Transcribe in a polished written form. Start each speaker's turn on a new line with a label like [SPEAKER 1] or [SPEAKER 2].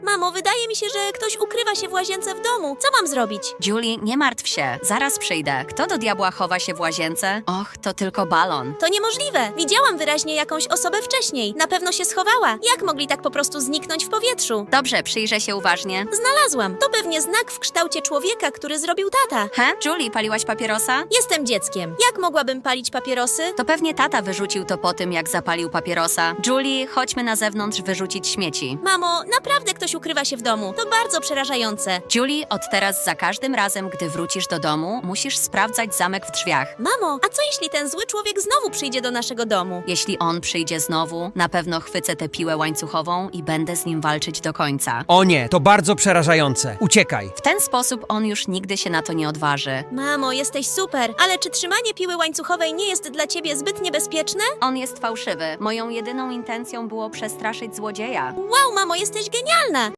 [SPEAKER 1] Mamo, wydaje mi się, że ktoś ukrywa się w łazience w domu. Co mam zrobić?
[SPEAKER 2] Julie, nie martw się, zaraz przyjdę. Kto do diabła chowa się w łazience? Och, to tylko balon.
[SPEAKER 1] To niemożliwe. Widziałam wyraźnie jakąś osobę wcześniej. Na pewno się schowała. Jak mogli tak po prostu zniknąć w powietrzu?
[SPEAKER 2] Dobrze, przyjrzę się uważnie.
[SPEAKER 1] Znalazłam. To pewnie znak w kształcie człowieka, który zrobił tata.
[SPEAKER 2] Julie, paliłaś papierosa?
[SPEAKER 1] Jestem dzieckiem. Jak mogłabym palić papierosy?
[SPEAKER 2] To pewnie tata wyrzucił to po tym, jak zapalił papierosa. Julie, chodźmy na zewnątrz wyrzucić śmieci.
[SPEAKER 1] Mamo, naprawdę ktoś ukrywa się w domu. To bardzo przerażające.
[SPEAKER 2] Julie, od teraz za każdym razem, gdy wrócisz do domu, musisz sprawdzać zamek w drzwiach.
[SPEAKER 1] Mamo, a co jeśli ten zły człowiek znowu przyjdzie do naszego domu?
[SPEAKER 2] Jeśli on przyjdzie znowu, na pewno chwycę tę piłę łańcuchową i będę z nim walczyć do końca.
[SPEAKER 3] O nie, to bardzo przerażające. Uciekaj.
[SPEAKER 2] W ten sposób on już nigdy się na to nie odważy.
[SPEAKER 1] Mamo, jesteś super, ale czy trzymanie piły łańcuchowej nie jest dla ciebie zbyt niebezpieczne?
[SPEAKER 2] On jest fałszywy. Moją jedyną intencją było przestraszyć złodzieja.
[SPEAKER 1] Wow, mamo, jesteś genialna!